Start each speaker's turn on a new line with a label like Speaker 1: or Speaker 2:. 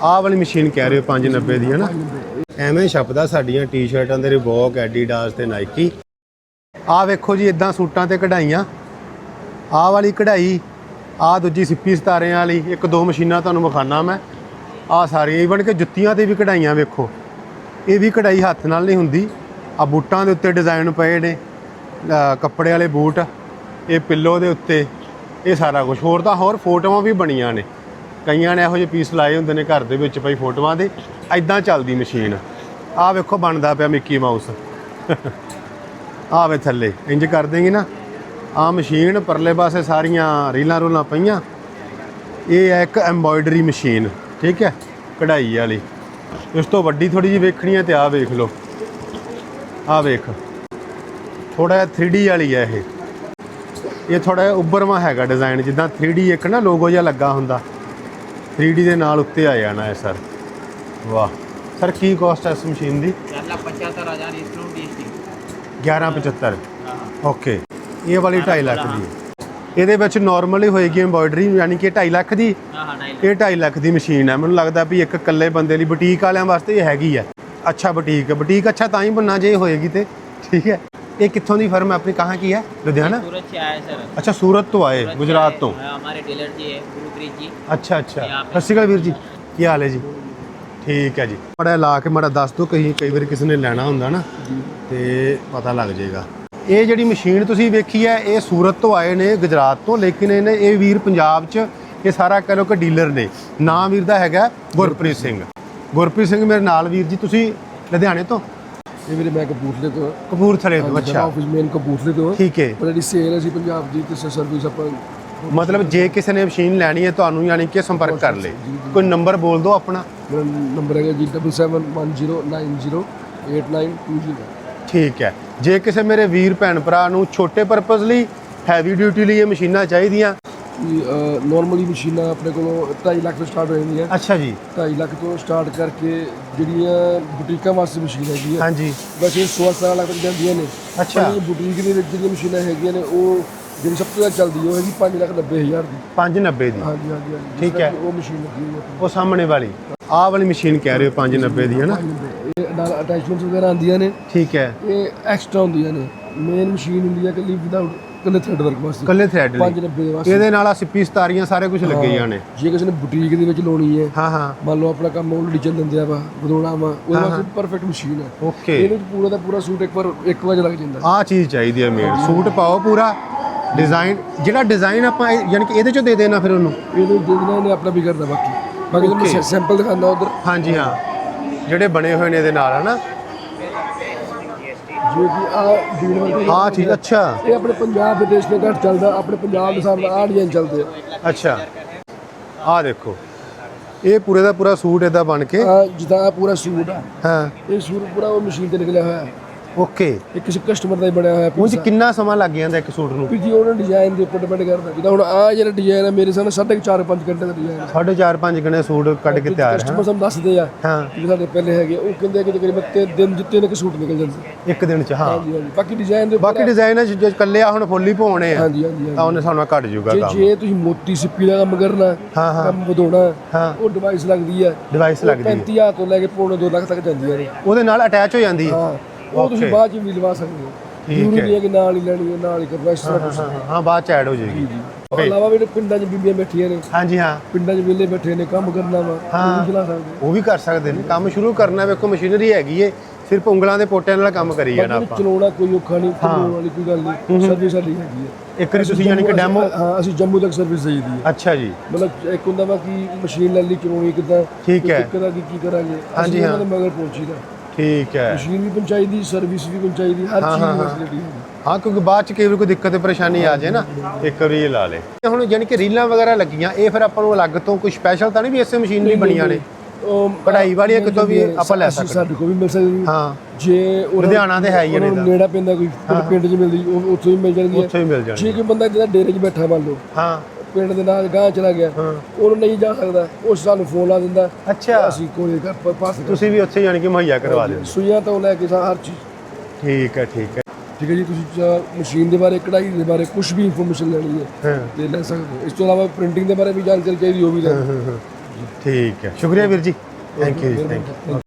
Speaker 1: ਆਹ ਵਾਲੀ ਮਸ਼ੀਨ ਕਹਿ ਰਹੇ ਹੋ 590 ਦੀ ਹੈ ਨਾ। ਐਵੇਂ ਛਪਦਾ ਸਾਡੀਆਂ ਟੀ-ਸ਼ਰਟਾਂ ਦੇ ਰਿਬੋਕ, ਐਡੀਡਾਸ ਤੇ ਨਾਈਕੀ। ਆਹ ਵੇਖੋ ਜੀ ਇਦਾਂ ਸੂਟਾਂ ਤੇ ਕਢਾਈਆਂ। ਆਹ ਵਾਲੀ ਕਢਾਈ, ਆਹ ਦੂਜੀ ਸਿੱਪੀ ਸਤਾਰਿਆਂ ਵਾਲੀ, ਇੱਕ ਦੋ ਮਸ਼ੀਨਾਂ ਤੁਹਾਨੂੰ ਵਿਖਾਣਾ ਮੈਂ। ਆਹ ਸਾਰੀਆਂ ਈਵਨ ਕਿ ਜੁੱਤੀਆਂ ਤੇ ਵੀ ਕਢਾਈਆਂ ਵੇਖੋ। ਇਹ ਵੀ ਕਢਾਈ ਹੱਥ ਨਾਲ ਨਹੀਂ ਹੁੰਦੀ। ਆ ਬੂਟਾਂ ਦੇ ਉੱਤੇ ਡਿਜ਼ਾਈਨ ਪਏ ਨੇ, ਕੱਪੜੇ ਵਾਲੇ ਬੂਟ, ਇਹ ਪਿੱਲੋ ਦੇ ਉੱਤੇ, ਇਹ ਸਾਰਾ ਕੁਝ। ਹੋਰ ਤਾਂ ਹੋਰ ਫੋਟੋਆਂ ਵੀ ਬਣੀਆਂ ਨੇ, ਕਈਆਂ ਨੇ ਇਹੋ ਜਿਹੇ ਪੀਸ ਲਾਏ ਹੁੰਦੇ ਨੇ ਘਰ ਦੇ ਵਿੱਚ ਭਾਈ ਫੋਟੋਆਂ ਦੇ। ਐਦਾਂ ਚੱਲਦੀ ਮਸ਼ੀਨ। ਆਹ ਵੇਖੋ ਬਣਦਾ ਪਿਆ ਮਿੱਕੀ ਮਾਊਸ। ਆਹ ਵੇ ਥੱਲੇ ਇੰਜ ਕਰ ਦੇਂਗੇ ਨਾ। ਆਹ ਮਸ਼ੀਨ ਪਰਲੇ ਪਾਸੇ ਸਾਰੀਆਂ ਰੀਲਾਂ ਰੂਲਾਂ ਪਈਆਂ। ਇਹ ਹੈ ਇੱਕ ਐਮਬੋਇਡਰੀ ਮਸ਼ੀਨ, ਠੀਕ ਹੈ, ਕਢਾਈ ਵਾਲੀ। ਇਸ ਤੋਂ ਵੱਡੀ ਥੋੜੀ ਜਿਹੀ ਵੇਖਣੀ ਹੈ ਤੇ ਆਹ ਵੇਖ ਲਓ। ਆਹ ਵੇਖ, ਥੋੜਾ ਜਿਹਾ 3D ਵਾਲੀ ਹੈ ਇਹ ਥੋੜਾ ਜਿਹਾ ਉੱਭਰਵਾਂ ਹੈਗਾ ਡਿਜ਼ਾਈਨ, ਜਿੱਦਾਂ 3D ਇੱਕ ਨਾ ਲੋਗੋ ਜਿਹਾ ਲੱਗਾ ਹੁੰਦਾ, 3D ਦੇ ਨਾਲ ਉੱਤੇ ਆ ਜਾਣਾ ਹੈ ਸਰ। ਵਾਹ ਸਰ, ਕੀ ਕੋਸਟ ਹੈ ਇਸ ਮਸ਼ੀਨ ਦੀ? 1175। ਓਕੇ, ਇਹ ਵਾਲੀ 2.5 ਲੱਖ ਦੀ ਹੈ। ਇਹਦੇ ਵਿੱਚ ਨਾਰਮਲ ਹੀ ਹੋਏਗੀ ਐਮਬੋਇਡਰੀ, ਯਾਨੀ ਕਿ 2.5 ਲੱਖ ਦੀ। ਇਹ 2.5 ਲੱਖ ਦੀ ਮਸ਼ੀਨ ਹੈ। ਮੈਨੂੰ ਲੱਗਦਾ ਵੀ ਇੱਕ ਇਕੱਲੇ ਬੰਦੇ ਲਈ, ਬੁਟੀਕ ਵਾਲਿਆਂ ਵਾਸਤੇ ਇਹ ਹੈਗੀ ਹੈ। ਅੱਛਾ ਬੁਟੀਕ, ਬੁਟੀਕ ਅੱਛਾ ਤਾਂ ਹੀ बनना ਜੇ ਹੋਏਗੀ ਤੇ, ਠੀਕ ਹੈ। ये कितों की फर्म है अपनी, कहाँ की है? लुधियाना, सूरत से आया सर। अच्छा, सूरत तो आए, गुजरात तो।
Speaker 2: हमारे डीलर जी है गुरप्रीत जी।
Speaker 1: अच्छा अच्छा, सत श्री अकाल वीर जी, की हाल है जी? ठीक है जी। माड़ा ला के माड़ा दस दो, कई बार किसी ने लैना होंदा ना तो पता लग जाएगा। ये जिहड़ी मशीन तुसीं वेखी है, ये सूरत तो आए ने, गुजरात तो, लेकिन इन्हें ये वीर पंजाब च ये सारा कह लो कि डीलर ने। नाम वीर दा हैगा गुरप्रीत सिंह। गुरप्रीत सिंह मेरे नाल वीर जी। तुसीं लुधियाने तो?
Speaker 3: ਇਹ ਵੀਰੇ ਮੈਂ ਕਪੂਰਥਲੇ ਤੋਂ।
Speaker 1: ਕਪੂਰਥਲੇ ਤੋਂ, ਅੱਛਾ।
Speaker 3: ਆਫਿਸ ਮੇਨ ਕਪੂਰਥਲੇ ਤੋਂ,
Speaker 1: ਠੀਕ ਹੈ।
Speaker 3: ਪਰ ਜਿਹੜੀ ਸੇਲ ਅਸੀਂ ਪੰਜਾਬ ਦੀ ਤੇ ਸਰਵਿਸ ਆਪਾਂ,
Speaker 1: मतलब ਜੇ ਕਿਸੇ ਨੇ ਮਸ਼ੀਨ ਲੈਣੀ ਹੈ ਤੁਹਾਨੂੰ ਯਾਨੀ ਕਿ ਸੰਪਰਕ ਕਰ ਲੇ। ਕੋਈ ਨੰਬਰ ਬੋਲ ਦਿਓ ਆਪਣਾ।
Speaker 3: ਮੇਰਾ ਨੰਬਰ ਹੈਗਾ ਜੀ 7710908920।
Speaker 1: ਠੀਕ ਹੈ। ਜੇ ਕਿਸੇ ਮੇਰੇ ਵੀਰ ਭੈਣ ਭਰਾ ਨੂੰ ਛੋਟੇ ਪਰਪਸ ਲਈ, ਹੈਵੀ ਡਿਊਟੀ ਲਈ ਇਹ ਮਸ਼ੀਨਾਂ ਚਾਹੀਦੀਆਂ,
Speaker 3: ਨੋਰਮਲੀ ਮਸ਼ੀਨਾਂ ਆਪਣੇ ਕੋਲੋਂ 2.5 ਲੱਖ ਤੋਂ ਸਟਾਰਟ ਹੋ ਜਾਂਦੀਆਂ।
Speaker 1: ਅੱਛਾ ਜੀ।
Speaker 3: 2.5 ਲੱਖ ਤੋਂ ਸਟਾਰਟ ਕਰਕੇ ਜਿਹੜੀਆਂ ਬੁਟੀਕਾਂ ਵਾਸਤੇ ਮਸ਼ੀਨ ਹੈਗੀ ਹੈ,
Speaker 1: ਹਾਂਜੀ,
Speaker 3: ਬਸ ਇਹ 16 ਲੱਖ ਤੱਕ ਜਾਂਦੀਆਂ ਨੇ।
Speaker 1: ਅੱਛਾ।
Speaker 3: ਬੁਟੀਕ ਦੇ ਵਿੱਚ ਜਿਹੜੀਆਂ ਮਸ਼ੀਨਾਂ ਹੈਗੀਆਂ ਨੇ, ਉਹ ਜਿਹੜੀ ਸਭ ਤੋਂ ਜ਼ਿਆਦਾ ਚੱਲਦੀ ਉਹ ਹੈਗੀ 5,90,000 ਦੀ।
Speaker 1: 590 ਦੀ?
Speaker 3: ਹਾਂਜੀ ਹਾਂਜੀ ਹਾਂਜੀ,
Speaker 1: ਠੀਕ ਹੈ।
Speaker 3: ਉਹ ਮਸ਼ੀਨ ਲੱਗੀ ਹੋਈ ਹੈ
Speaker 1: ਉਹ ਸਾਹਮਣੇ ਵਾਲੀ, ਆਹ ਵਾਲੀ ਮਸ਼ੀਨ ਕਹਿ ਰਹੇ ਹੋ 590 ਦੀ, ਹੈ ਨਾ?
Speaker 3: ਇਹ ਨਾਲ ਅਟੈਚਮੈਂਟਸ ਵਗੈਰਾ ਆਉਂਦੀਆਂ ਨੇ।
Speaker 1: ਠੀਕ ਹੈ।
Speaker 3: ਇਹ ਐਕਸਟਰਾ ਹੁੰਦੀਆਂ ਨੇ। ਮੇਨ ਮਸ਼ੀਨ ਹੁੰਦੀ ਹੈ ਕਿ ਵਿਦਆਊਟ ਕੱਲੇ ਥ੍ਰੈਡ ਵਰਕ ਵਾਸਤੇ,
Speaker 1: ਕੱਲੇ ਥ੍ਰੈਡ
Speaker 3: 590 ਦੇ ਵਾਸਤੇ।
Speaker 1: ਇਹਦੇ ਨਾਲ ਆ ਸਿੱਪੀ ਸਤਾਰੀਆਂ ਸਾਰੇ ਕੁਝ ਲੱਗੇ ਜਾਣੇ।
Speaker 3: ਜੇ ਕਿਸੇ ਨੇ ਬੁਟੀਕ ਦੇ ਵਿੱਚ ਲਾਉਣੀ ਹੈ,
Speaker 1: ਹਾਂ ਹਾਂ,
Speaker 3: ਮੰਨ ਲਓ ਆਪਣਾ ਕੰਮ ਆਲਰੇਡੀ ਚੱਲ ਦਿੰਦੇ ਵਾ, ਵਧਾਉਣਾ ਵਾ, ਉਹਦੇ ਵਾਸਤੇ ਪਰਫੈਕਟ ਮਸ਼ੀਨ ਹੈ।
Speaker 1: ਓਕੇ।
Speaker 3: ਇਹਦੇ ਵਿੱਚ ਪੂਰਾ ਦਾ ਪੂਰਾ ਸੂਟ ਇੱਕ ਵਾਰ ਲੱਗ ਜਾਂਦਾ।
Speaker 1: ਆਹ ਚੀਜ਼ ਚਾਹੀਦੀ ਹੈ ਮੇਡ। ਸੂਟ ਪਾਓ ਪੂਰਾ ਡਿਜ਼ਾਈਨ, ਜਿਹੜਾ ਡਿਜ਼ਾਈਨ ਆਪਾਂ ਯਾਨੀ ਕਿ ਇਹਦੇ ਚੋਂ ਦੇ ਦੇਣਾ ਫਿਰ ਉਹਨੂੰ?
Speaker 3: ਇਹਦੇ ਦੇ ਦੇਣਾ, ਇਹਨੇ ਆਪਣਾ ਵੀ ਕਰਦਾ। ਬਾਕੀ ਤੁਹਾਨੂੰ ਸੈਂਪਲ ਦਿਖਾਉਂਦਾ ਉਧਰ।
Speaker 1: ਹਾਂਜੀ ਹਾਂ, ਜਿਹੜੇ ਬਣੇ ਹੋਏ ਨੇ ਇਹਦੇ ਨਾਲ, ਹੈ ਨਾ?
Speaker 3: ਜਿਵੇਂ ਕਿ ਆਹ ਬੀਡ ਵਰਕ,
Speaker 1: ਆਹ ਚੀਜ਼, ਅੱਛਾ।
Speaker 3: ਇਹ ਆਪਣੇ ਪੰਜਾਬ ਦੇ ਦੇਸ਼ ਦੇ ਘੱਟ ਚੱਲਦਾ, ਆਪਣੇ ਪੰਜਾਬ ਦੇ ਹਿਸਾਬ ਨਾਲ ਆਹ ਡਿਜ਼ਾਈਨ ਚੱਲਦੇ ਆ।
Speaker 1: ਅੱਛਾ, ਆਹ ਦੇਖੋ, ਇਹ ਪੂਰੇ ਦਾ ਪੂਰਾ ਸੂਟ ਇਹਦਾ ਬਣ ਕੇ,
Speaker 3: ਜਿੱਦਾਂ ਆਹ ਪੂਰਾ ਸੂਟ ਆ,
Speaker 1: ਹਾਂ,
Speaker 3: ਇਹ ਸੂਟ ਪੂਰਾ ਉਹ ਮਸ਼ੀਨ ਤੇ ਨਿਕਲਿਆ ਹੋਇਆ ਹੈ।
Speaker 1: ਓਕੇ।
Speaker 3: ਇਹ ਕਿਸੇ ਕਸਟਮਰ ਦਾ ਹੀ ਬਣਿਆ ਹੋਇਆ।
Speaker 1: ਉਹ 'ਚ ਕਿੰਨਾ ਸਮਾਂ ਲੱਗ ਜਾਂਦਾ ਇੱਕ ਸੂਟ ਨੂੰ?
Speaker 3: ਵੀ ਜੀ ਉਹਨਾਂ ਡਿਜ਼ਾਈਨ ਦੇ ਉੱਪਰ ਡਿਪੈਂਡ ਕਰਦਾ। ਜਿੱਦਾਂ ਹੁਣ ਆਹ ਜਿਹੜਾ ਡਿਜ਼ਾਈਨ ਹੈ, ਮੇਰੇ ਸਾਹਮਣੇ 4.5 ਘੰਟੇ ਦਾ ਡਿਜ਼ਾਈਨ ਹੈ।
Speaker 1: 4.5 ਘੰਟੇ ਸੂਟ ਕੱਢ ਕੇ ਤਿਆਰ ਹੈ।
Speaker 3: ਕਸਟਮਰ ਸਾਨੂੰ ਦੱਸਦੇ ਆ
Speaker 1: ਹਾਂ,
Speaker 3: ਕਿ ਸਾਡੇ ਪਹਿਲੇ ਹੈਗੇ, ਉਹ ਕਹਿੰਦੇ ਆ ਕਿ ਤਕਰੀਬਨ 3 ਦਿਨ ਜਿੱਤੇ ਨੇ ਕਿ ਸੂਟ ਨਿਕਲ ਜਾਂਦੇ
Speaker 1: ਇੱਕ ਦਿਨ 'ਚ। ਹਾਂ,
Speaker 3: ਹਾਂਜੀ ਹਾਂਜੀ। ਬਾਕੀ ਡਿਜ਼ਾਈਨ ਦੇ
Speaker 1: ਬਾਕੀ ਡਿਜ਼ਾਈਨ ਹੈ ਜੇ ਕੱਲੇ ਆ ਹੁਣ ਫੁੱਲੀ ਪਾਉਣੇ ਆ,
Speaker 3: ਹਾਂਜੀ ਹਾਂਜੀ।
Speaker 1: ਤਾਂ ਉਹਨੇ ਸਾਨੂੰ ਘੱਟ ਜਾਊਗਾ ਕੰਮ।
Speaker 3: ਜੇ ਤੁਸੀਂ ਮੋਤੀ ਸਿੱਪੀ ਦਾ ਕੰਮ ਕਰਨਾ,
Speaker 1: ਹਾਂ ਹਾਂ,
Speaker 3: ਕੰਮ ਵਧਾਉਣਾ,
Speaker 1: ਹਾਂ,
Speaker 3: ਉਹ ਡਿਵਾਈਸ ਲੱਗਦੀ ਹੈ।
Speaker 1: ਡਿਵਾਈਸ ਲੱਗਦੀ ਹੈ,
Speaker 3: 35,000 ਤੋਂ ਲੈ ਕੇ ਪੌਣੇ 2 ਲੱਖ ਤੱਕ ਜਾਂਦੀਆਂ ਨੇ।
Speaker 1: ਉਹਦੇ ਨਾਲ ਅਟੈਚ ਹੋ ਜਾਂਦੀ ਹੈ।
Speaker 3: ਹਾਂ, ਉਹ ਤੁਸੀਂ ਬਾਅਦ ਚ ਵੀ ਲਵਾ ਸਕਦੇ ਹੋ। ਜ਼ਰੂਰੀ ਨਹੀਂ ਹੈ ਕਿ ਨਾਲ ਹੀ ਲੈਣੀ ਹੈ, ਨਾਲ ਹੀ ਕਰਵਾ। ਇਸ ਤਰ੍ਹਾਂ
Speaker 1: ਹਾਂ, ਬਾਅਦ ਚ ਐਡ ਹੋ ਜਾਏਗੀ।
Speaker 3: ਉਸ ਤੋਂ ਇਲਾਵਾ ਵੀ ਪਿੰਡਾਂ 'ਚ ਬੀਬੀਆਂ ਬੈਠੀਆਂ ਨੇ।
Speaker 1: ਹਾਂਜੀ ਹਾਂ,
Speaker 3: ਪਿੰਡਾਂ 'ਚ ਵਿਹਲੇ ਬੈਠੇ ਨੇ, ਕੰਮ ਕਰਨਾ ਵਾ, ਉਹ ਵੀ ਚਲਾ ਸਕਦੇ।
Speaker 1: ਉਹ ਵੀ ਕਰ ਸਕਦੇ ਨੇ। ਕੰਮ ਸ਼ੁਰੂ ਕਰਨਾ, ਵੇਖੋ ਮਸ਼ੀਨਰੀ ਹੈਗੀ ਏ, ਸਿਰਫ ਉਂਗਲਾਂ ਦੇ ਪੋਟਿਆਂ ਨਾਲ ਕੰਮ ਕਰੀ ਜਾਣਾ ਆਪਾਂ।
Speaker 3: ਚਲਾਉਣਾ ਕੋਈ ਔਖਾ ਨਹੀਂ, ਚਲਾਉਣ ਵਾਲੀ ਕੋਈ ਗੱਲ ਨਹੀਂ। ਸਰਵਿਸ ਸਾਡੀ ਹੈਗੀ ਹੈ।
Speaker 1: ਇੱਕ ਵਾਰੀ ਤੁਸੀਂ ਯਾਨੀ ਕਿ ਡੈਮੋ?
Speaker 3: ਹਾਂ, ਅਸੀਂ ਜੰਮੂ ਤੱਕ ਸਰਵਿਸ ਦੇਈਦੀ ਹੈ।
Speaker 1: ਅੱਛਾ ਜੀ।
Speaker 3: ਮਤਲਬ ਇੱਕ ਹੁੰਦਾ ਵਾ ਕਿ ਮਸ਼ੀਨ ਲੈ ਲਈ, ਚਲਾਉਣੀ ਕਿੱਦਾਂ,
Speaker 1: ਠੀਕ ਹੈ,
Speaker 3: ਕਿੱਦਾਂ ਕੀ ਕਰਾਂਗੇ।
Speaker 1: ਹਾਂਜੀ ਹਾਂ,
Speaker 3: ਮਗਰ ਪਹੁੰਚੀਦਾ।
Speaker 1: ਠੀਕ ਹੈ।
Speaker 3: ਮਸ਼ੀਨ ਵੀ ਪਹੁੰਚਾਈ ਦੀ, ਸਰਵਿਸ ਵੀ ਪਹੁੰਚਾਈ ਦੀ, ਹਰ ਚੀਜ਼ ਫੈਸਿਲਿਟੀ ਹੈ।
Speaker 1: ਹਾਂ, ਕਿਉਂਕਿ ਬਾਅਦ ਚ ਕਈ ਵਾਰ ਕੋਈ ਦਿੱਕਤ ਪਰੇਸ਼ਾਨੀ ਆ ਜਾਏ ਨਾ, ਇੱਕ ਵਾਰੀ ਇਹ ਲਾ ਲੇ। ਹੁਣ ਯਾਨੀ ਕਿ ਰੀਲਾਂ ਵਗੈਰਾ ਲੱਗੀਆਂ, ਇਹ ਫਿਰ ਆਪਾਂ ਨੂੰ ਅਲੱਗ ਤੋਂ ਕੋਈ ਸਪੈਸ਼ਲ ਤਾਂ ਨਹੀਂ ਵੀ ਇਸੇ ਮਸ਼ੀਨ ਲਈ ਬਣੀਆਂ ਨੇ? ਕਢਾਈ ਵਾਲੀਆਂ ਕਿਤੋਂ ਵੀ ਆਪਾਂ ਲੈ ਸਕਦੇ?
Speaker 3: ਸਾਡੇ ਕੋਲ ਵੀ ਮਿਲ ਸਕਦੀ।
Speaker 1: ਹਾਂ,
Speaker 3: ਜੇ
Speaker 1: ਲੁਧਿਆਣਾ ਤੇ ਹੈ ਹੀ ਨੇ,
Speaker 3: ਨੇੜਾ ਪੈਂਦਾ ਕੋਈ ਪਿੰਡ 'ਚ ਮਿਲਦੀ, ਉਹ ਉੱਥੋਂ ਵੀ ਮਿਲ ਜਾਂਦੀ ਹੈ।
Speaker 1: ਉੱਥੋਂ ਹੀ ਮਿਲ ਜਾਣੀ।
Speaker 3: ਜੇ ਕੋਈ ਬੰਦਾ ਜਿਹੜਾ ਡੇਰੇ 'ਚ ਬੈਠਾ ਮੰਨ ਲਓ,
Speaker 1: ਹਾਂ,
Speaker 3: ਪਿੰਡ ਦੇ ਨਾਲ ਗਾਂ ਚਲਾ ਗਿਆ, ਉਹਨੂੰ ਨਹੀਂ ਜਾ ਸਕਦਾ, ਉਹ ਸਾਨੂੰ ਫੋਨ ਲਾ ਦਿੰਦਾ।
Speaker 1: ਅੱਛਾ,
Speaker 3: ਅਸੀਂ ਕੋਈ ਪਾਸ
Speaker 1: ਤੁਸੀਂ ਵੀ ਉੱਥੇ ਯਾਨੀ ਕਿ ਮੁਹੱਈਆ ਕਰਵਾ ਦਿੰਦੇ?
Speaker 3: ਸੂਈਆਂ ਤੋਂ ਲੈ ਕੇ ਹਰ ਚੀਜ਼।
Speaker 1: ਠੀਕ ਹੈ, ਠੀਕ ਹੈ।
Speaker 3: ਠੀਕ ਹੈ ਜੀ। ਤੁਸੀਂ ਮਸ਼ੀਨ ਦੇ ਬਾਰੇ, ਕਢਾਈ ਦੇ ਬਾਰੇ ਕੁਝ ਵੀ ਇਨਫੋਰਮੇਸ਼ਨ ਲੈਣੀ ਹੈ ਤੇ ਲੈ ਸਕਦੇ ਹੋ। ਇਸ ਤੋਂ ਇਲਾਵਾ ਪ੍ਰਿੰਟਿੰਗ ਦੇ ਬਾਰੇ ਵੀ ਜਾਣਕਾਰੀ ਚਾਹੀਦੀ, ਉਹ ਵੀ ਲੈ। ਜੀ।
Speaker 1: ਠੀਕ ਹੈ, ਸ਼ੁਕਰੀਆ ਵੀਰ ਜੀ, ਥੈਂਕ ਯੂ ਜੀ, ਥੈਂਕ ਯੂ।